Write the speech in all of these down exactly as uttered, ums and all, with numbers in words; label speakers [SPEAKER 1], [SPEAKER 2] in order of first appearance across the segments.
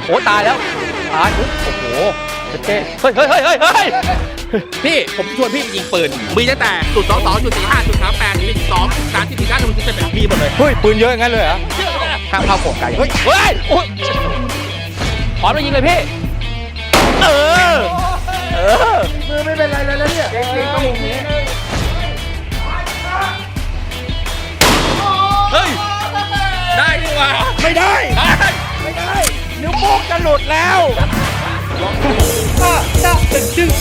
[SPEAKER 1] โอ้ตายแล้วตายโอ้โหเจ๊เฮ้ยเฮ้ยเฮ้ยเฮ้ยเฮ้ยพี่ผมชวนพี่ไปยิงปืนมีตั้งแต่จุดสองสองจุดสี่ห้าจุดสามแปดจุดสองจุดสามจุดสี่เก้าจุดสิบเอ็ดมีหมดเลย
[SPEAKER 2] เฮ้ยปืนเยอะงั้นเลยเหรอ
[SPEAKER 1] ข้ามเข้าโขงไก่เฮ้ยเฮ้ยโอ้ยขอมายิงเลยพี่เออเออมือไม่เป็นไรเลยแล้วเนี่ยเก่งๆต้องมุมนี้เฮ้ยได้ดีกว่า
[SPEAKER 2] ไม่ได้
[SPEAKER 1] ไม่ได้นิ้วโป้งจะหลุดแล้วจะตึงจึง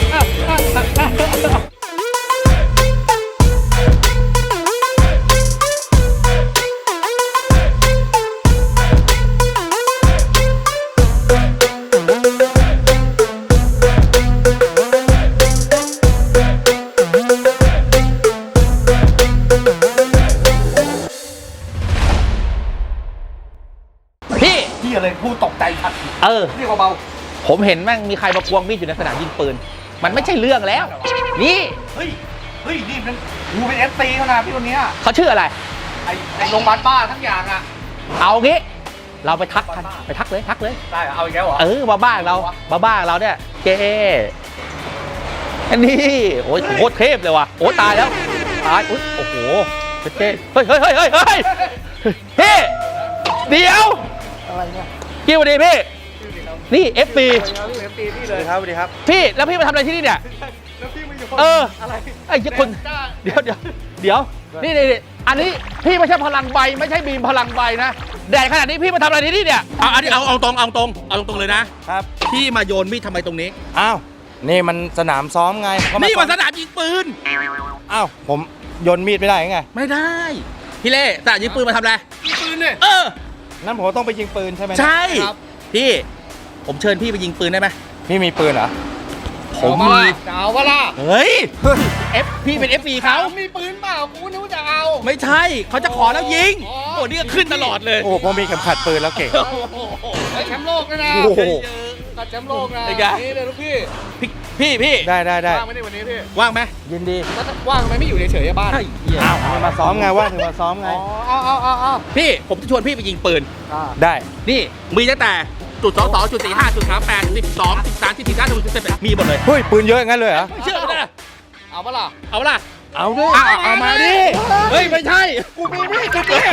[SPEAKER 2] พี่อะไรพูดตกใจชัด
[SPEAKER 1] เออ
[SPEAKER 2] นี่เบา
[SPEAKER 1] ๆผมเห็นแม่งมีใครมาควงมีดอยู่ในสนามยิงปืนมันไม่ใช่เรื่องแล้วนี่
[SPEAKER 2] เฮ้ยเฮ้ยนี่มันกูเป็นเอฟซีเขานะพี่คนนี้
[SPEAKER 1] เขาชื่ออะไร
[SPEAKER 2] ไอ้ไอ้โรงพยาบาลบ้าทั้งอย่างอ่ะ
[SPEAKER 1] เอางี้เราไปทักกันไปทักเลยทักเลย
[SPEAKER 2] ได้เอาอีกแล้วเหรอ
[SPEAKER 1] เออมาบ้านเรามาบ้านเราเนี่ยเจ๊อันนี้โอ้ยโคตรเทพเลยว่ะโอ้ตายแล้วตายอุ้ยโอ้โหเจ๊เฮ้ยเฮ้ยเฮ้ยเฮ้ยเฮ้ยพี่เดี๋ยว
[SPEAKER 2] อะไรเนี่ย
[SPEAKER 1] กี่วันดีพี่นี่ เอฟ บี
[SPEAKER 2] พี่เลยครับสวัสดีครับ
[SPEAKER 1] พี่แล้วพี่มาทำอะไรที่นี่เนี่ย
[SPEAKER 2] แล้วพี่มาอยู่
[SPEAKER 1] เออ
[SPEAKER 2] อะไร
[SPEAKER 1] ไอ้คนเดี๋ยวเดี๋ยวเดี๋ยวนี่นี่อันนี้พี่ไม่ใช่พลังใบไม่ใช่บีมพลังใบนะแดดขนาดนี้พี่มาทำอะไรที่นี่เนี่ยเอาอันนี้เอาเอาตรงเอาตรงเอาตรงเลยนะครับพี่มาโยนมีดทำไมตรงนี้
[SPEAKER 2] อ้าวนี่มันสนามซ้อมไง
[SPEAKER 1] นี่มันสนามยิงปืน
[SPEAKER 2] อ้าวผมโยนมีดไม่ได้ไง
[SPEAKER 1] ไม่ได้พี่เล่สนามยิงปืนมาทำอะไร
[SPEAKER 2] ยิงปืนเนี่ย
[SPEAKER 1] เออ
[SPEAKER 2] นั่นผมต้องไปยิงปืนใช่ไหม
[SPEAKER 1] ใช่ครับพี่ผมเชิญพี่ไปยิงปืนได้ไหม
[SPEAKER 2] พี่มีปืนเหรอ
[SPEAKER 1] ผมมี
[SPEAKER 2] จะเอาวะล่ะ
[SPEAKER 1] เฮ้ยเอฟพี่เป็น เอฟ ซี เขา
[SPEAKER 2] มีปืนเปล่ากูนึกว่าจะเอา
[SPEAKER 1] ไม่ใช่เขาจะขอแล้วยิงโอ้นี่ก็ขึ้นตลอดเลย
[SPEAKER 2] โอ้ผมมีเข็มขัดปืนแล้วเก่ง
[SPEAKER 3] แชมป์โลกนะนะตัดแชมป์โลกนะนี่เลยลูกพี่
[SPEAKER 1] พี่พี่
[SPEAKER 2] ได้ได้ได้
[SPEAKER 3] ว่างไหมในวันนี้พี่
[SPEAKER 1] ว่างไหม
[SPEAKER 2] ยินดี
[SPEAKER 3] ว่างทำไมไม่อยู่เฉยๆบ้าน
[SPEAKER 2] อ้าวมาซ้อมไงว่างถึงมาซ้อมไง
[SPEAKER 3] อ๋ออ๋ออ๋ออ๋อ
[SPEAKER 1] พี่ผมจะชวนพี่ไปยิงปืน
[SPEAKER 2] ได้
[SPEAKER 1] นี่มีตั้งแต่จุดสองสองจุดสี่ห้าจุดสามแปดสิบสองสิบสามสิบสี่เก้าจุดสิบเอ็ดมีหมดเลย
[SPEAKER 2] เฮ้ยปืนเยอะงั้นเลยเหรอ
[SPEAKER 1] ไม่เชื่อเลย
[SPEAKER 3] เอาปะล่ะ
[SPEAKER 1] เอาปะล่ะ
[SPEAKER 2] เอาดิ
[SPEAKER 1] เอามาดิเฮ้ยไม่ใช่
[SPEAKER 2] กูมีมีดกูมี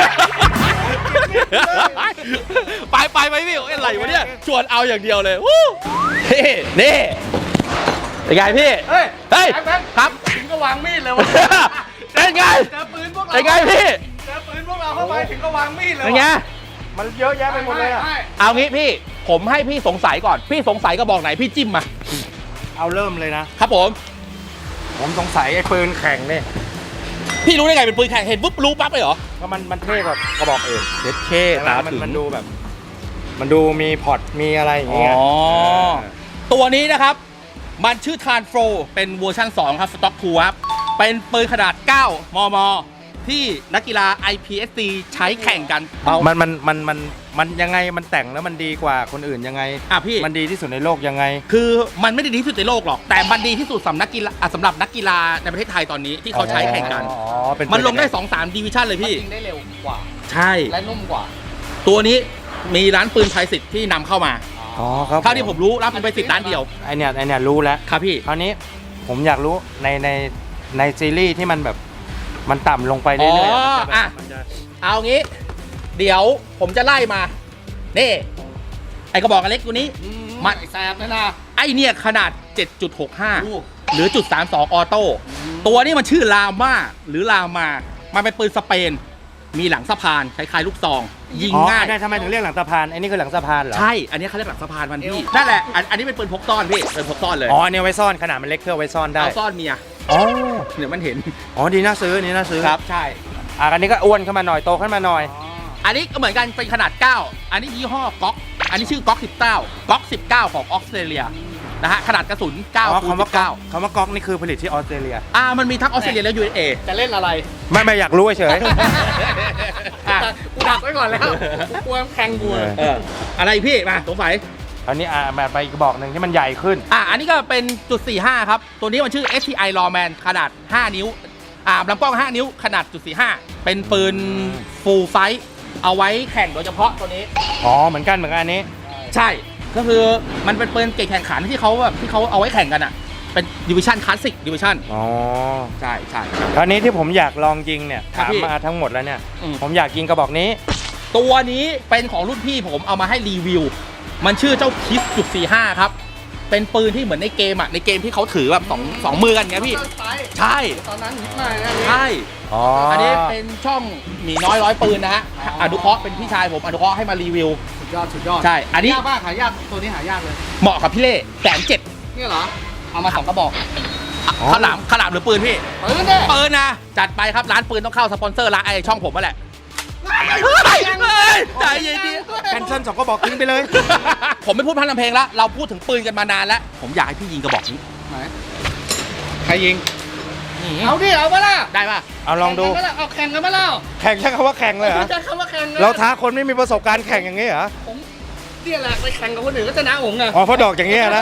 [SPEAKER 1] ไปไปไปพี่อะไรวะเนี่ยชวนเอาอย่างเดียวเลยนี่นี่เป็นไงพี่เฮ้ยเฮ้ยครับ
[SPEAKER 3] ถึงก็วางมีดเลยวะ
[SPEAKER 1] เป็นไง
[SPEAKER 3] เจอปืนพวกเรา
[SPEAKER 1] เป็นไงพี่
[SPEAKER 3] เจอปืนพวกเราเข้าไปถึงก็วางมีดเลย
[SPEAKER 1] เป็นไง
[SPEAKER 2] มันเยอะแยะไปหมดเลยอ่ะ
[SPEAKER 1] เอางี้พี่ผมให้พี่สงสัยก่อนพี่สงสัยก็บอกไหนพี่จิ้มมา
[SPEAKER 2] เอาเริ่มเลยนะครับ
[SPEAKER 1] ผม
[SPEAKER 2] ผมสงสัยไอ้ปืนแข่งนี่
[SPEAKER 1] พี่รู้ได้ไงเป็นปืนแข่งเห็นปุ๊บรู้ปั๊บเลยเหรอ
[SPEAKER 2] ก็มันมันเท่กว่ากระบอกอื่น
[SPEAKER 1] เท่เท่ตาถึง
[SPEAKER 2] มันดูแบบมันดูมีพอร์ตมีอะไรอย่างเงี้ย
[SPEAKER 1] อ๋อตัวนี้นะครับมันชื่อทานโฟรเป็นเวอร์ชันสองครับสต็อกทูครับเป็นปืนขนาดเก้ามมที่นักกีฬา ไอ พี เอส ซี ใช้แข่งกัน
[SPEAKER 2] มันมันมันมันมันยังไงมันแต่งแล้วมันดีกว่าคนอื่นยังไง
[SPEAKER 1] อ่ะพี่
[SPEAKER 2] มันดีที่สุดในโลกยังไง
[SPEAKER 1] คือมันไม่ได้ดีที่สุดในโลกหรอกแต่มันดีที่สุดสำหรับนักกีฬาสำหรับนักกีฬาในประเทศไทยตอนนี้ที่เขาใช้แข่งกันมันลงได้ สองสาม ดิวิชั่นเลยพี่
[SPEAKER 3] ยิงได้เร็วกว่า
[SPEAKER 1] ใช่
[SPEAKER 3] และนุ่มกว่า
[SPEAKER 1] ตัวนี้มีร้านปืนไทยสิทธิ์ที่นำเข้ามา
[SPEAKER 2] อ๋อครับ
[SPEAKER 1] เท่าที่ผมรู้รับเป็นไปสิทธิ์ร้านเดียว
[SPEAKER 2] ไอเนี้ยไอเนี้ยรู้แล้ว
[SPEAKER 1] ครับพี่
[SPEAKER 2] คราวนี้ผมอยากรู้ในในในซีรีส์ที่มันแบบมันต่ำลงไปเรื่อย
[SPEAKER 1] ๆอ่ะเอางี้เดี๋ยวผมจะไล่มานี่ไอกระบอกอันเล็กตัวนี้
[SPEAKER 3] มันแสบนะนะ
[SPEAKER 1] ไอเนี่ยขนาด เจ็ดจุดหกห้า หรือจุดสามสองออโต้ตัวนี้มันชื่อลาม่าหรือลามามันเป็นปืนสเปนมีหลังสะพานคล้ายๆลูกซองยิงง่าย
[SPEAKER 2] ได้ทำไมถึงเรียกหลังสะพานไอ้นี่คือหลังสะพานเหรอ
[SPEAKER 1] ใช่อันนี้เขาเรียกหลังสะพานมันพี่นั่นแหละอันนี้เป็นปืนพกซ่อนพี่ปืนพกซ่อนเลย
[SPEAKER 2] อ๋ออันนี้ไว้ซ่อนขนาดมันเล็กเพื่อไว้ซ่อนได้
[SPEAKER 1] เอาซ่อนเมีย
[SPEAKER 2] อ๋อ
[SPEAKER 1] เดี๋ยวมันเห็น
[SPEAKER 2] อ๋อดีน่าซื้อนี่น่าซื้อ
[SPEAKER 1] ครับใช่
[SPEAKER 2] อ่ะอันนี้ก็อ้วนขึ้นมาหน่อยโตขึ้นมาหน่อย
[SPEAKER 1] อันนี้ก็เหมือนกันเป็นขนาดเก้าอันนี้ยี่ห้อก๊อกอันนี้ชื่อก๊อกสิบเก้าก๊อกสิบเก้าของออสเตรเลียนะฮะขนาดกระสุนเก้าคูณสิบเก้า
[SPEAKER 2] คำว่าก๊อกนี่คือผลิตที่ออสเตรเลีย
[SPEAKER 1] อ่ามันมีทั้งออสเตรเลียและ ยู เอส เอ
[SPEAKER 3] จะเล่นอะไร
[SPEAKER 2] ไม่ไม่อยากรู้เฉย
[SPEAKER 3] กูดักไว้ก่อนแล้วกลัวแข่งกู
[SPEAKER 1] อะไรพี่มาสงสัย
[SPEAKER 2] อันนี้อ่าแบบไปอีกบอกหนึ่งที่มันใหญ่ขึ้น
[SPEAKER 1] อ่ะอันนี้ก็เป็นจุดสี่ห้าครับตัวนี้มันชื่อ เอส ที ไอ Lawman ขนาดห้านิ้วอ่าลำกล้องห้านิ้วขนาดจุดสี่ห้าเป็นปืน full size เอาไว้แข่งโดยเฉพาะตัวนี้
[SPEAKER 2] อ๋อเหมือนกันเหมือนกันอันนี้
[SPEAKER 1] ใช่ก็คือมันเป็นปืนเกรดแข่งขันที่เขาแบบที่เขาเอาไว้แข่งกันอ่ะเป็นดิวิชั่นคลาสสิกดิวิชั่น
[SPEAKER 2] อ๋อ
[SPEAKER 1] ใช่ใช่
[SPEAKER 2] คราวนี้ที่ผมอยากลองยิงเนี่ย
[SPEAKER 1] ครับ
[SPEAKER 2] ถาม
[SPEAKER 1] พี่
[SPEAKER 2] มาทั้งหมดแล้วเนี่ย
[SPEAKER 1] อืม
[SPEAKER 2] ผมอยากยิงกระบอกนี้
[SPEAKER 1] ตัวนี้เป็นของรุ่นพี่ผมเอามาให้รีวิว มันชื่อเจ้าคิสจุดสี่ห้าครับเป็นปืนที่เหมือนในเกมอ่ะในเกมที่เขาถือแบบสองสองมือกันไงพี่ใช่
[SPEAKER 3] ตอนนั้นฮิตมากนะ
[SPEAKER 1] ใช่
[SPEAKER 2] อ๋อ
[SPEAKER 1] อั
[SPEAKER 2] อั
[SPEAKER 1] นนี้เป็นช่องหมีน้อยร้อยปืนนะฮะอนุเคราะห์เป็นพี่ชายผมอนุเคราะห์ให้มารีวิว
[SPEAKER 3] สุดยอดสุดยอด
[SPEAKER 1] ใช่อันนี้
[SPEAKER 3] ยากมากหายากตัวนี้หายากเลย
[SPEAKER 1] เหมาะกับพี่เล่แสนเจ็ด
[SPEAKER 3] เนี่ยเหรอเอามาสองกระบอก
[SPEAKER 1] ขลามขลามหรือปืนพี่
[SPEAKER 3] ปืนเด้
[SPEAKER 1] ปืนนะจัดไปครับร้านปืนต้องเข้าสปอนเซอร์ร้านไอช่องผมมาแหละเฮ้ยเฮ้ยใจเย็นดิ
[SPEAKER 2] แคนเซิลสองกระบอกทิ้งไปเลย
[SPEAKER 1] ผมไม่พูดพันลำเพลงแล้วเราพูดถึงปืนกันมานานแล้วผมอยากให้พี่ยิงกระบอกนี้
[SPEAKER 3] ไหนใครยิงเอาดิเอามาล่ะ
[SPEAKER 1] ได้ป่ะ
[SPEAKER 2] เอาลองดู
[SPEAKER 3] แข่กันมาล่ะเอาแข่งกันมาแล้ว
[SPEAKER 2] แข่งใช้คำว่าแข่งเลยเหรอ
[SPEAKER 3] ใช้คำว่าแข่งนะ
[SPEAKER 2] เราท้าคนไม่มีประสบการณ์แข่งอย่างนี้เหรอ
[SPEAKER 3] ผมเนี่ยแหละไปแข่งกับคนอื่นก็ชนะผมไง
[SPEAKER 2] อ๋อเพราะดอกอย่างนี้นะ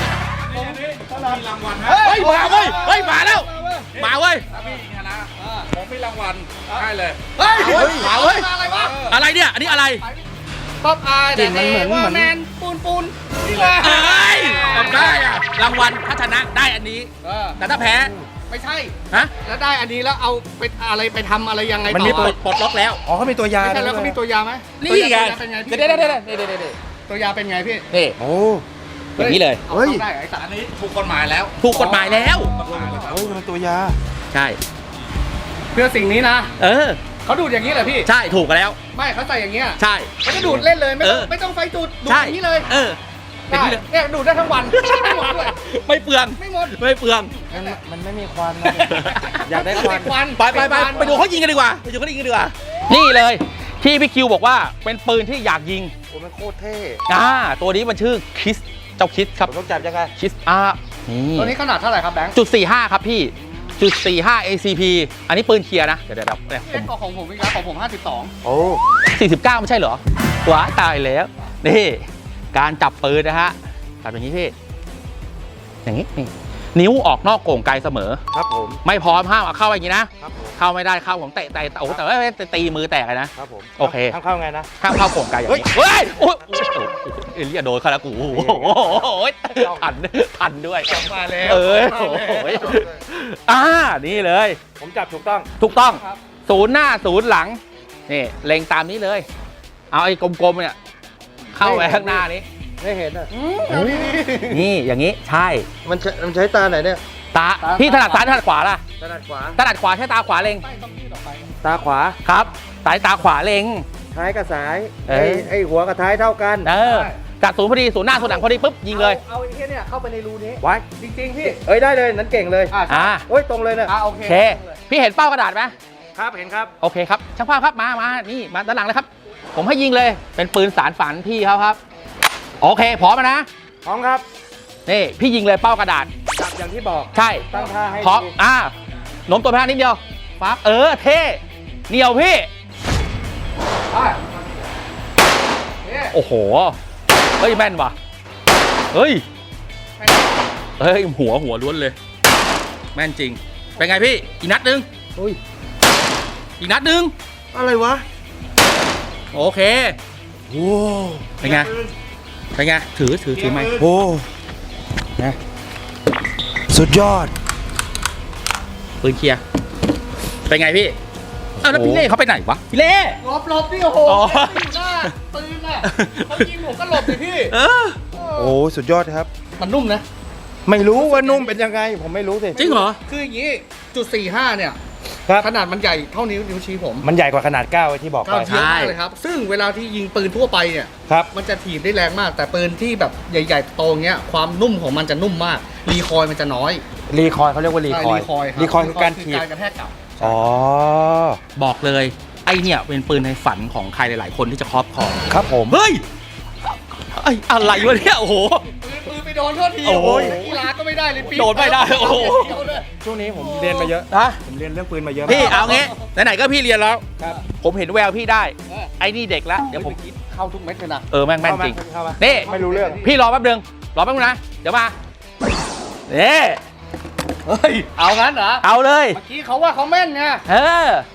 [SPEAKER 1] เฮ้ยมาเว้ยเฮ้ยมาแล้วมาเว้ย
[SPEAKER 3] ถ้าพี่ชนะผมมีรางวัลให้เลย
[SPEAKER 1] เฮ้ยมาเว้ย
[SPEAKER 3] อะไรวะ
[SPEAKER 1] อะไรเนี่ยอันนี้อะไร
[SPEAKER 3] ป๊อปอาย
[SPEAKER 2] กลิ่นมันเหมือน
[SPEAKER 3] ว่า
[SPEAKER 2] เหมือน
[SPEAKER 3] แมนปูนปูน
[SPEAKER 1] เฮ้ยทำได้อะรางวัลถ้าชนะได้อันนี้
[SPEAKER 3] เออ
[SPEAKER 1] แต่ถ้าแพ้
[SPEAKER 3] ไม่ใช่
[SPEAKER 1] ฮะ
[SPEAKER 3] แล้วได้อันนี้แล้วเอาไปอะไรไปทำอะไรยังไง
[SPEAKER 2] มัน
[SPEAKER 3] ต่อ
[SPEAKER 2] มี
[SPEAKER 1] ปลดปลดล็อกแล้ว
[SPEAKER 2] อ๋อเขามีตัวยา
[SPEAKER 3] ไม่ใช่แล้ว
[SPEAKER 2] ด้
[SPEAKER 3] เขา
[SPEAKER 2] ย
[SPEAKER 3] มีตัวยาไหม
[SPEAKER 1] นี่ไง
[SPEAKER 3] ตัวยาเป็นไงพี่
[SPEAKER 1] เดี๋ยวเดี๋ยวเดี๋ยวเดี๋ยวเดี๋ยวเดี๋ยว
[SPEAKER 3] ตัวยาเป็นไงพี่
[SPEAKER 1] นี่
[SPEAKER 2] โอ้
[SPEAKER 1] อย่างนี้เลย
[SPEAKER 3] เอา
[SPEAKER 2] เฮ้ย
[SPEAKER 3] เข้าได้ไอ้สัตว์
[SPEAKER 4] อันนี้ถูกกฎหมายแล้ว
[SPEAKER 1] ถูกกฎหมายแล้ว
[SPEAKER 2] เฮ้ยมันตัวยา
[SPEAKER 1] ใช่
[SPEAKER 3] เพื่อสิ่งนี้นะ
[SPEAKER 1] เออ
[SPEAKER 3] เขาดูดอย่างนี้เหรอพี่
[SPEAKER 1] ใช่ถูกกันแล้ว
[SPEAKER 3] ไม่เขาใส่อย่างเงี้ย
[SPEAKER 1] ใช่
[SPEAKER 3] เขาจะดูดเล่นเลยไม่ต้อง
[SPEAKER 1] เออ
[SPEAKER 3] ไม่ต้องไฟดูดดูด
[SPEAKER 1] ใช่
[SPEAKER 3] อย่างนี้เลย
[SPEAKER 1] เอออย่าง
[SPEAKER 3] ได้
[SPEAKER 1] นี้เลย
[SPEAKER 3] เนี่ยดูดได้ทั้งวันไม่หมดด้วย
[SPEAKER 1] ไม่เปลือง
[SPEAKER 3] ไม่หมด
[SPEAKER 1] ไม่เปลือง
[SPEAKER 2] มันมันไม่มีควันนะอยากได้ควัน
[SPEAKER 3] ควัน
[SPEAKER 1] ไปไปไปไปดูเขายิงกันดีกว่าไปดูเขายิงกันดีกว่านี่เลยที่พี่คิวบอกว่าเป็นปืนที่อยากยิง
[SPEAKER 2] โอ้มันโคตรเท่
[SPEAKER 1] อ่าตัวนี้มันชื่อคิสเจ้าคิสครับ
[SPEAKER 2] ผมต้องจับยังไง
[SPEAKER 1] คิสอาร์นี่
[SPEAKER 3] ตัวนี้ขนาดเท่าไหร่ครับแบงค์
[SPEAKER 1] จุดสี่ห้าครับพี่จุดสี่ห้า เอ ซี พี อันนี้ปืนเคลียร์นะเดี๋ยวเดี๋ยวเดี๋ยวเนี่ยผ
[SPEAKER 3] เล็ก
[SPEAKER 1] ม
[SPEAKER 3] กว่าของผมอีกแล้วของผมห้าสิบสอง
[SPEAKER 2] โอ้
[SPEAKER 1] สี่สิบเก้าไม่ใช่เหรอว้าตายแล้วนี่การจับปืนนะฮะจับอย่างนี้พี่อย่างนี้นี่นิ้วออกนอกโก่งไกลเสมอ
[SPEAKER 2] ครับผม
[SPEAKER 1] ไม่พร้อมห้ามเอาเข้าอย่างนี้นะ
[SPEAKER 2] ครับผม
[SPEAKER 1] เข้าไม่ได้เข้าผมเตะเตะโอ้โหแต่ว่าตีมือแตกเลยนะ
[SPEAKER 2] ครับผม
[SPEAKER 1] โอเค
[SPEAKER 2] ทำเข้าไงนะ
[SPEAKER 1] ห้ามเข้าโก่งไกลอย่างนี้เฮ้ยโอ้ยโอ้โหเอเลียโดนเขาแล้วกูโอ้โหทันทันด้วย
[SPEAKER 3] มาแล้ว
[SPEAKER 1] เออโอ้โหอ่านี่เลย
[SPEAKER 2] ผมจับถูกต้อง
[SPEAKER 1] ถูกต้องศูนย์หน้าศูนย์หลังนี่เล็งตามนี้เลย เอาไอ้กลมๆเนี่ยเข้าไปข้างหน้านี้
[SPEAKER 2] ไม่เห็นอ่ะ
[SPEAKER 1] นี่อย่างนี้ใช่
[SPEAKER 2] มันใช้มันใช้ตาไหนเนี่ย
[SPEAKER 1] ตาพี่ถนัดซ้ายถนัดขวาล่ะ
[SPEAKER 2] ถนัดขวา
[SPEAKER 1] ถนัดขวาใช้ตาขวาเล็ง
[SPEAKER 2] ตาขวา
[SPEAKER 1] ครับสายตาขวาเล็ง
[SPEAKER 2] ท้ายกับสาย
[SPEAKER 1] เอ
[SPEAKER 2] ไอ้
[SPEAKER 1] อ
[SPEAKER 2] ไอ้หัวกับท้ายเท่ากัน
[SPEAKER 1] เออกัดศูนย์พอดีศูนย์หน้าศูนย์หลังพอดีปุ๊บยิงเลย
[SPEAKER 3] เอาไอ้เหี้ยเนี่ยเข้าไปในรูนี้
[SPEAKER 2] ไว้
[SPEAKER 3] จริงๆพี่
[SPEAKER 2] เอ้ยได้เลยนั้นเก่งเลย
[SPEAKER 3] อ่า
[SPEAKER 1] อ่า
[SPEAKER 2] โอ้ยตรงเลยเนี่ย
[SPEAKER 3] อ่าโอเค
[SPEAKER 1] โอเค พี่เห็นเป้ากระดาษไหม
[SPEAKER 2] ครับเห็นครับ
[SPEAKER 1] โอเคครับช่างภาพครับมามานี่มาด้านหลังเลยครับ ผมให้ยิงเลยเป็นปืนสารฝันพี่เขาครับโอเคพร้อมแล้วนะ
[SPEAKER 2] พร้อมครับ
[SPEAKER 1] นี่พี่ยิงเลยเป้ากระดาษ
[SPEAKER 2] จับอย่างที่บอก
[SPEAKER 1] ใช่
[SPEAKER 2] ตั้งท่าให้
[SPEAKER 1] พร้อม
[SPEAKER 2] ดี
[SPEAKER 1] อ่าโน้มตัวไปทางนิดเดียวปั๊บเออเท่เหนียวพี่
[SPEAKER 3] ไปเนี่ย
[SPEAKER 1] โอ้โหเฮ้ยแม่นว่ะเฮ้ยเฮ้ยหัวหัวล้วนเลย แม่นจริงเป็นไงพี่อีกนัดหนึง
[SPEAKER 2] โอ้ย
[SPEAKER 1] อีกนัดหนึง
[SPEAKER 2] อะไรวะ
[SPEAKER 1] โอเค
[SPEAKER 2] โอ้
[SPEAKER 1] เป็นไงเป็นไงถือถือถือไหม
[SPEAKER 2] โห
[SPEAKER 1] นะ
[SPEAKER 2] สุดยอด
[SPEAKER 1] ปืนเคลียร์เป็นไงพี่อ้าวแล้วพี่เล่เขาไปไหนวะพี่เล่
[SPEAKER 3] หลบหลบดิโอ้โห
[SPEAKER 1] อ๋อ
[SPEAKER 3] อยู่หน้าปืนอ่ะเขายิงผมก็หลบดิพี่
[SPEAKER 1] เออ
[SPEAKER 2] โอ้สุดยอดครับ
[SPEAKER 3] มันนุ่มนะ
[SPEAKER 2] ไม่รู้ว่านุ่มเป็นยังไง ผมไม่รู้สิ
[SPEAKER 1] จริงเหรอ
[SPEAKER 3] คืออย่างนี้จุดสี่ห้าเนี่ย
[SPEAKER 2] ครับ
[SPEAKER 3] ขนาดมันใหญ่เท่านิ้วนิ้วชี้ผม
[SPEAKER 2] มันใหญ่กว่าขนาดเก้าไอ้ที่บอกไป
[SPEAKER 3] เก้าเทียบมากเลยครับ ซึ่งเวลาที่ยิงปืนทั่วไปเนี่ย
[SPEAKER 2] ครับ
[SPEAKER 3] มันจะถีบได้แรงมาก แต่ปืนที่แบบใหญ่ๆโตเงี้ยความนุ่มของมันจะนุ่มมากรีคอยล์มันจะน้อย
[SPEAKER 2] รีคอยล์เขาเรียกว่ารีคอยล์
[SPEAKER 3] ใช่รีคอยล์รับ
[SPEAKER 2] รีคอยล์คือการถีบ
[SPEAKER 3] การกระแทกกลับ
[SPEAKER 2] อ๋อ
[SPEAKER 1] บอกเลยไอเนี่ยเป็นปืนในฝันของใครหลาย ๆ คนที่จะครอบครอง
[SPEAKER 2] ครับผม
[SPEAKER 1] เฮ้ยไออะไรวะเนี่ยโอ้โห
[SPEAKER 3] ปืนปืนไปโดนโทษที
[SPEAKER 1] โอ้โห
[SPEAKER 3] กีฬาก็ไม่ได้เลยปี
[SPEAKER 1] โดนไม่ได้โอ้โห
[SPEAKER 2] ช่วงนี้ผมเรียนมาเยอะ
[SPEAKER 1] นะ
[SPEAKER 2] ผมเรียนเรื่องปืนมาเยอะ
[SPEAKER 1] พี่เอางี้ไหนๆก็พี่เรียนแล้ว
[SPEAKER 2] ครับ
[SPEAKER 1] ผมเห็นแววพี่ได้ไอ้นี่เด็กแล้วเดี๋ยวผม
[SPEAKER 3] เข้าทุกเม็ดเลยนะ
[SPEAKER 1] เออแม่งแม่นจริง
[SPEAKER 2] เข้ามา
[SPEAKER 1] นี่
[SPEAKER 2] ไม่รู้เรื่อง
[SPEAKER 1] พี่รอแป๊บนึงรอแป๊บนึงนะเดี๋ยวมานี่
[SPEAKER 3] เฮ้ยเอางั้นเหรอ
[SPEAKER 1] เอาเลย
[SPEAKER 3] เมื่อกี้เขาว่าเขาแม่นไง
[SPEAKER 1] เออ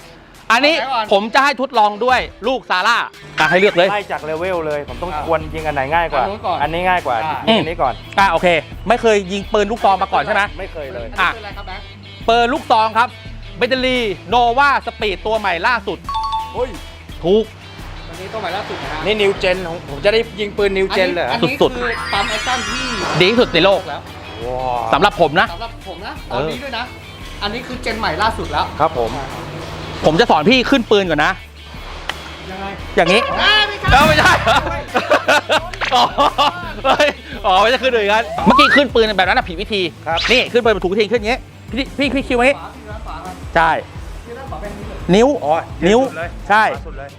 [SPEAKER 1] อันนี้
[SPEAKER 3] ไหนก่อน
[SPEAKER 1] ผมจะให้ทดลองด้วยลูกซาร่าอ่ะให้เลือกเลย
[SPEAKER 2] ไล่จากเลเวลเลย ผมต้อง
[SPEAKER 3] อ่ะ
[SPEAKER 2] ควรยิงอันไหนง่ายกว่า
[SPEAKER 3] อันนู้นก่อน
[SPEAKER 2] อันนี้ง่ายกว่า
[SPEAKER 3] อ่ะ
[SPEAKER 2] ยิงอันนี้ก่อน
[SPEAKER 1] อ่ะโอเค ไม่เคยยิงปืนลูกซองมาก่อนใช่ไหม
[SPEAKER 2] ไม่เคยเลย
[SPEAKER 3] อันนี้คืออะไรครับแบงค์
[SPEAKER 1] ปืนลูกซองครับเบตเตอรี่โนวาสปีดตัวใหม่ล่าสุด
[SPEAKER 2] โอ้ย
[SPEAKER 1] ถูก
[SPEAKER 3] อันนี้ตัวใหม่ล่าสุดนะฮะ
[SPEAKER 2] นี่นิวเจนของผมจะได้ยิงปืนนิวเจนเลยเหรอ
[SPEAKER 3] อันนี้
[SPEAKER 1] สุดๆ
[SPEAKER 3] คือปั๊มแอคชั่นที่
[SPEAKER 1] ดีที่สุดในโลก
[SPEAKER 3] แล้ว
[SPEAKER 2] ว้า
[SPEAKER 1] สำหรับผมนะ
[SPEAKER 3] สำหรับผมนะต
[SPEAKER 1] เอ
[SPEAKER 3] อน
[SPEAKER 1] อ
[SPEAKER 3] นี้ด้วยนะ อันนี้คือเจนใหม่ล่าสุดแล้ว
[SPEAKER 2] ครับผม
[SPEAKER 1] ผมจะสอนพี่ขึ้นปืนก่อนนะ
[SPEAKER 3] ยังไง
[SPEAKER 1] อย่างนี้
[SPEAKER 3] อ่าไม่ใช่
[SPEAKER 1] เอ้าไม่ใช่เหรออ๋อเฮ้ยอ๋อไม่ใช่ขึ้นเลยกันเมื่อกี้ขึ้นปืนแบบนั้นนะผิดวิธี
[SPEAKER 2] ครับ
[SPEAKER 1] นี่ขึ้นปืนถูกวิธีขึ้นอย่างงี้พี่พี่พี่คิวอย่างงี้
[SPEAKER 3] ฝาที่ร้านฝาครับ
[SPEAKER 1] ใช่
[SPEAKER 3] ที่ร้านฝาเป็นนี้เลย
[SPEAKER 1] นิ้ว
[SPEAKER 2] อ๋อ
[SPEAKER 1] นิ้ว
[SPEAKER 2] สุดเลย
[SPEAKER 1] ใช่
[SPEAKER 2] สุดเลย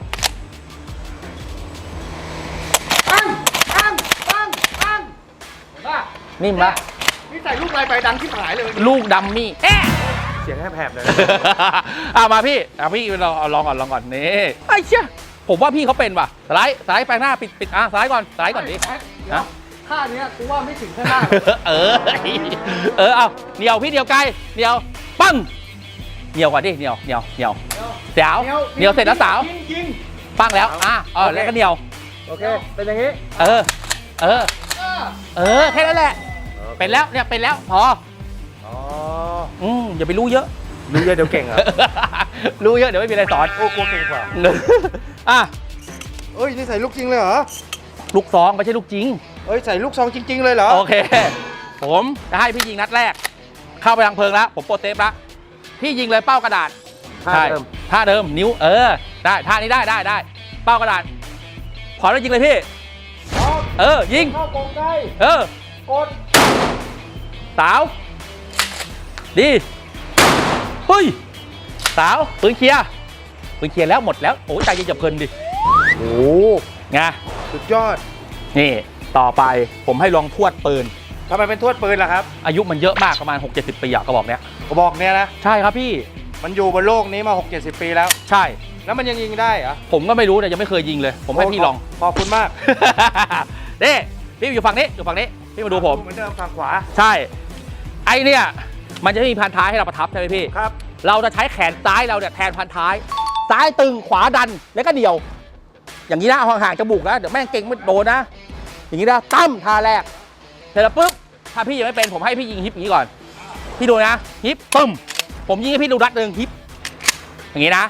[SPEAKER 3] ปังปังปังปังเห็นป่ะ
[SPEAKER 1] นิ่มละ
[SPEAKER 3] นี่ใส่ลูกลายไฟดังที่หายเลย
[SPEAKER 1] ลูกดัมมี่เอ๊ะ
[SPEAKER 2] เสียงแผบๆเลย
[SPEAKER 1] อ่ะมาพี่อ่ะพี่ลองเอาลองก่อนลองก่อนนี่ไอ้เชี่ยผมว่าพี่เขาเป็นว่ะสไลด์สไลด์ไปหน้าปิดปิดอ่ะสไลด์ก่อนสไลด์ก่อนดิ
[SPEAKER 3] แอ๊ะเดี๋ยว
[SPEAKER 1] ฮะ
[SPEAKER 3] ท่าเนี้ยกูว่าไม่ถึงข้างหน้า
[SPEAKER 1] เออเออเอาเหนียวพี่เหนียวไกลเหนียวปั้งเหนียวก่อนดิเหนียวเหนียวเหนียวสาวเหนียวเสร็จแล้วสาว
[SPEAKER 3] ยิงยิง
[SPEAKER 1] ปั้งแล้วอ่ะเออแล้วก็เหนียว
[SPEAKER 2] โอเค เป็นอย่างนี้
[SPEAKER 1] เออเออ
[SPEAKER 3] เออ
[SPEAKER 1] เออแค่นั้นแหละเป็นแล้วเนี่ยเป็นแล้วพอ
[SPEAKER 2] อ๋อ
[SPEAKER 1] อืมอย่าไปรู้เยอะ
[SPEAKER 2] รู้เยอะเดี๋ยวเก่งเหรอ
[SPEAKER 1] รู้เยอะเดี๋ยวไม่มีอะไรสอน
[SPEAKER 2] โอ้กลัวเก่งกว่า
[SPEAKER 1] อ่ะ
[SPEAKER 2] เอ้ย นี่ใส่ลูกจริงเลยเหรอ
[SPEAKER 1] ลูกซองไม่ใช่ลูกจริง
[SPEAKER 2] เอ้ย ใส่ลูกซองจริง ๆ เลยเหรอ
[SPEAKER 1] โอเค ผมจะให้พี่ยิงนัดแรก เข้าไปทางเพลิงแล้ว ผมโปรเซฟแล้วพี่ยิงเลยเป้ากระดาษ
[SPEAKER 2] ท่า
[SPEAKER 1] ใช่
[SPEAKER 2] เดิม
[SPEAKER 1] ท่าเดิมนิ้วเออได้ท่านี้ได้ได้ได้เป้ากระดาษขอแล้วยิงเลยพี่ เออยิง
[SPEAKER 2] เข้ากรงใกล้
[SPEAKER 1] เออก
[SPEAKER 2] ด
[SPEAKER 1] สาวดีเฮ้ยสาวปืนเคลียร์ปืนเคลียร์แล้วหมดแล้วโอ้ยใจเย็นจับเพลินดิ
[SPEAKER 2] โอ้
[SPEAKER 1] ไง
[SPEAKER 2] สุดยอด
[SPEAKER 1] นี่ต่อไปผมให้ลองทวดปืน
[SPEAKER 2] ทำไมเป็นทวดปืนล่ะครับ
[SPEAKER 1] อายุมันเยอะมากประมาณ หกเจ็ดสิบ ปีอะกระบอกเนี้ย
[SPEAKER 2] กระบอกเนี้ยนะ
[SPEAKER 1] ใช่ครับพี่
[SPEAKER 2] มันอยู่บนโลกนี้มา หกเจ็ดสิบ ปีแล้ว
[SPEAKER 1] ใช่
[SPEAKER 2] แล้วมันยังยิงได้เหรอ
[SPEAKER 1] ผมก็ไม่รู้เนี่ยยังไม่เคยยิงเลย ผมให้พี่ลอง
[SPEAKER 2] ขอบคุณมาก
[SPEAKER 1] นี่พี่อยู่ฝั่งนี้อยู่ฝั่งนี้พี่มาดูผม
[SPEAKER 2] เหมือนเดิมฝั่งขวา
[SPEAKER 1] ใช่ไอเนี่ยมันจะไม่มีพันท้ายให้เราประทับใช่ไหมพี่
[SPEAKER 2] ครับ
[SPEAKER 1] เราจะใช้แขนซ้ายเราเนี่ยแทนพันท้าย ซ้ายตึงขวาดันแล้วก็เดี่ยว อย่างนี้นะเอาห่างๆจมูกนะเดี๋ยวแม่งเก่งไม่โดนนะ อย่างนี้นะตั้มท่าแรกเสร็จแล้วปุ๊บถ้าพี่ยังไม่เป็นผมให้พี่ยิงฮิปอย่างนี้ก่อน พี่ดูนะฮิปปึ้มผมยิงให้พี่ดูรัดหนึ่งฮิปอย่างนี้นะ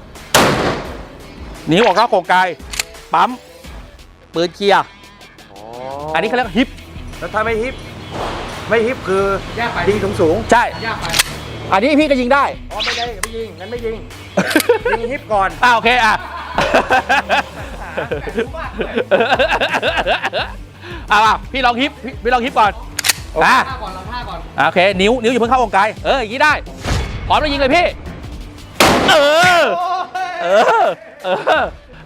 [SPEAKER 1] นิ้วออกนอกโครงกายปั๊มปืนเคลียร์
[SPEAKER 2] อ๋อ
[SPEAKER 1] อันนี้เขาเรียกฮิป
[SPEAKER 2] แล้วถ้าไม่ฮิป ไม่ฮิปคือ
[SPEAKER 3] แยกไป
[SPEAKER 2] ยิงสูงสูง
[SPEAKER 1] ใช่
[SPEAKER 3] ยากไป
[SPEAKER 1] อันนี้พี่ก็ยิงได้
[SPEAKER 2] อ๋อไม่ได้ไม่ยิง งั้นไม่ยิง ยิงฮิปก่อน
[SPEAKER 1] อ่าโอเคอ่ะอ่าพี่ลองฮิปพี่พี่ลองฮิปก่อนอ่ะ
[SPEAKER 3] ท่าก่อนเราท่าก่อน
[SPEAKER 1] อ่ะโอเคนิ้วนิ้วอยู่าเพิ่งเข้าวงกายเอออย่างนี้ได้พร้อมแล้วยิงเลยพี่เออเออเออ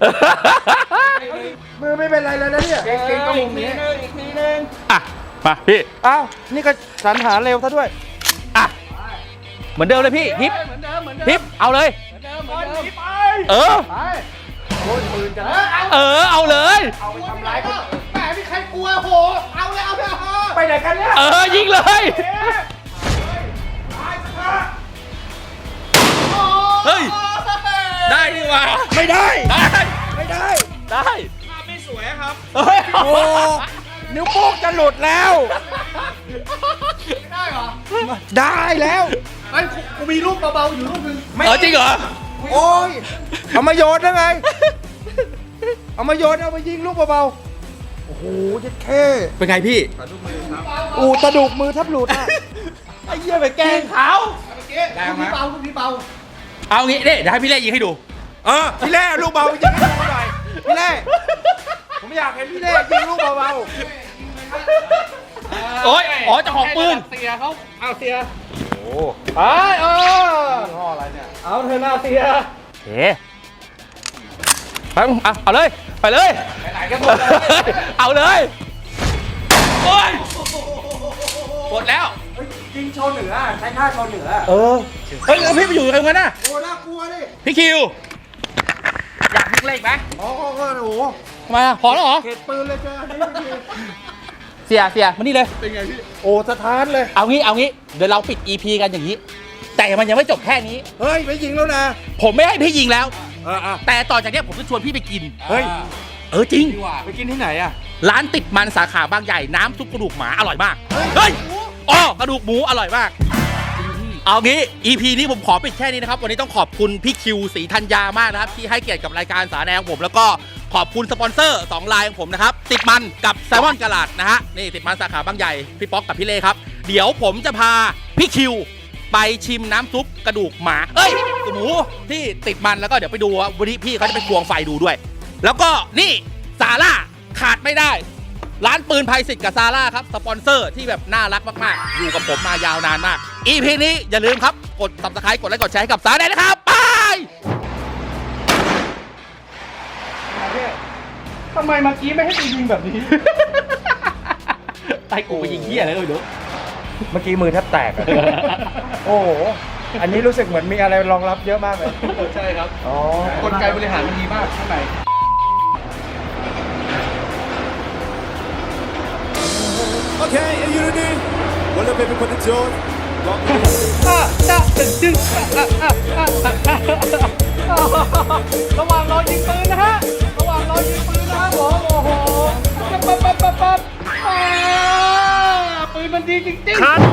[SPEAKER 2] มือไม่เป็นไรเลยนะเนี่ย
[SPEAKER 3] เก่งเก่งก็มุมนี้อีกทีนึง
[SPEAKER 1] อ่ะมาพี่
[SPEAKER 2] อ้าว นี่ก็สรรหาเร็วซะด้วย
[SPEAKER 1] อ่ะเหมือนเดิมเลยพี่ฮิป
[SPEAKER 3] เหมือนเดิมเหมือนเดิม
[SPEAKER 1] ฮิปเอาเลย
[SPEAKER 3] เหมือนเดิมเหมือนเดิมไป
[SPEAKER 1] เออ
[SPEAKER 3] ไปโอ้ยปืนจะเอา
[SPEAKER 1] เออเอาเลย
[SPEAKER 3] เอาไปทำร้ายคนแหมมีใครกลัวโหเอาเลยเอาเลยเอา
[SPEAKER 2] ไปไหนกันเนี่ย
[SPEAKER 1] เออยิงเลย เฮ้ย ได้ดีว่ะ
[SPEAKER 2] ไม่ได้
[SPEAKER 1] ได้
[SPEAKER 2] ไม่ได้
[SPEAKER 1] ได้
[SPEAKER 3] ไม่สวยครับ
[SPEAKER 1] เฮ้ย
[SPEAKER 2] โอ้ นิ้วโป้งจะหลุดแล้ว
[SPEAKER 3] ไม่ได้เหรอ
[SPEAKER 2] ได้แล้ว
[SPEAKER 3] ไอ้ยกูกูมีรูปเบาๆอยู่รูปหนึง
[SPEAKER 1] เออจริงเหรอ
[SPEAKER 2] โอ้ย เอามาโยนได้ไง เอามาโยนเอามายิงลูกเบาๆ โอ้โหเจ็ดแค่
[SPEAKER 1] เป็นไงพี่
[SPEAKER 2] อูตะดุกมือแทับหลุดอ่ะ
[SPEAKER 1] ไอ้เหี้ยไปแกล้งเขา
[SPEAKER 3] เมื่อกี้รูปนี้เบารูปนี้เบา
[SPEAKER 1] เอางี้เด้เดี๋ยวให้พี่เล่ยิงให้ดู
[SPEAKER 2] เออ พี่เล่ลูกเบายิงให้ดูหน่อย พี่เล่ผมอยากเห็นพี่เล่ยิงลูกเบา
[SPEAKER 1] โอ้ยอ๋อเจ้าของปืน
[SPEAKER 3] เสียเขาเอาเสีย
[SPEAKER 2] ๆ โอ้
[SPEAKER 3] ไอ้เออ
[SPEAKER 2] ยี่ห้ออะไรเนี่ย
[SPEAKER 3] เอาเธอหน้าเสีย
[SPEAKER 1] เฮ้ไปมึงเอาเอาเลย ไปเลย
[SPEAKER 3] ไหนๆก็หมดแล้ว
[SPEAKER 1] เอาเลย โอ้ยหมดแล้ว
[SPEAKER 2] ยิงโชว์เหนือ ใช้ท่าโชว์เหนือ
[SPEAKER 1] เออ เฮ้ยแล้วพี่ไปอยู่ตรงนั้นน่ะ
[SPEAKER 2] โอ้ น่ากลัวดิ
[SPEAKER 1] พี่คิว อยากยิงเลขไหม
[SPEAKER 2] อ๋อก็โอ้โห
[SPEAKER 1] ทำไมอ่ะพอแล้วเหรอ
[SPEAKER 2] เขตปืนเลยเจออันนี้ไม่ดี
[SPEAKER 1] เสียเสียมานี่เลย
[SPEAKER 3] เป็นไงพี่
[SPEAKER 2] โอ้สะท้านเลย
[SPEAKER 1] เอางี้ เอางี้ เดี๋ยวเราปิด อี พี กันอย่างนี้แต่มันยังไม่จบแค่นี้
[SPEAKER 2] เฮ้ยไม่ยิงแล้วนะ
[SPEAKER 1] ผมไม่ให้พี่ยิงแล้ว
[SPEAKER 2] เอออ่ะ
[SPEAKER 1] แต่ต่อจากเนี้ยผมจะชวนพี่ไปกิน
[SPEAKER 2] เฮ้ย
[SPEAKER 1] เออจริง
[SPEAKER 2] ไปกินที่ไหนอ่ะ
[SPEAKER 1] ร้านติดมันสาขาบางใหญ่น้ำซุปกระดูกหมาอร่อยมาก เฮ้ยอ๋อกระดูกหมูอร่อยมาก เอางี้ อี พี นี้ผมขอปิดแค่นี้นะครับ วันนี้ต้องขอบคุณพี่คิวศรีธัญญามากนะครับ ที่ให้เกียรติกับรายการสารแนของผม แล้วก็ขอบคุณสปอนเซอร์สองรายของผมนะครับ ติดมันกับแซลมอนกะลาดนะฮะ นี่ติดมันสาขาบางใหญ่ พี่ป๊อกกับพี่เล่ครับ เดี๋ยวผมจะพาพี่คิวไปชิมน้ำซุปกระดูกหมา เอ้ยกระดูกหมูที่ติดมันแล้วก็เดี๋ยวไปดูว่าวันนี้พี่เขาจะไปควงไฟดูด้วย แล้วก็นี่ซาร่าขาดไม่ได้ ร้านปืนภัยสิทธิ์กับซาร่าครับสปอนเซอร์ที่แบบน่ารักมากๆอยู่กับผมมายาวนานมาก อี พี นี้อย่าลืมครับกด ซับสไครบ์ กดไลค์กดแชร์ให้กับสารแนนะครับไป
[SPEAKER 3] ทำไมเมื่อกี้ไม่ให้กูยิงแบบนี้
[SPEAKER 1] ไอ้กูไปยิงเหี้ยอะไรก็ไม่รู้
[SPEAKER 2] เมื่อกี้มือแทบแตกอะ โอ้โห อันนี้รู้สึกเหมือนมีอะไรรองรับเยอะมากเลย
[SPEAKER 3] ใช่ครับ
[SPEAKER 2] อ๋อ
[SPEAKER 3] กลไกบริหารมันดีมากข้างใน
[SPEAKER 4] Okay, are you ready? Well, let me put the joy.
[SPEAKER 3] อ่ะจ้าตึงจึงอ่ะอ่ะอ่ะอ่ะอ่ะระหว่างรอยิงปืนนะฮะ ระหว่างรอยิงปืนนะครับผมโอ้โหปั๊บปั๊บปั๊บปั๊บปั๊บอ่าปืนมันดีจริงๆ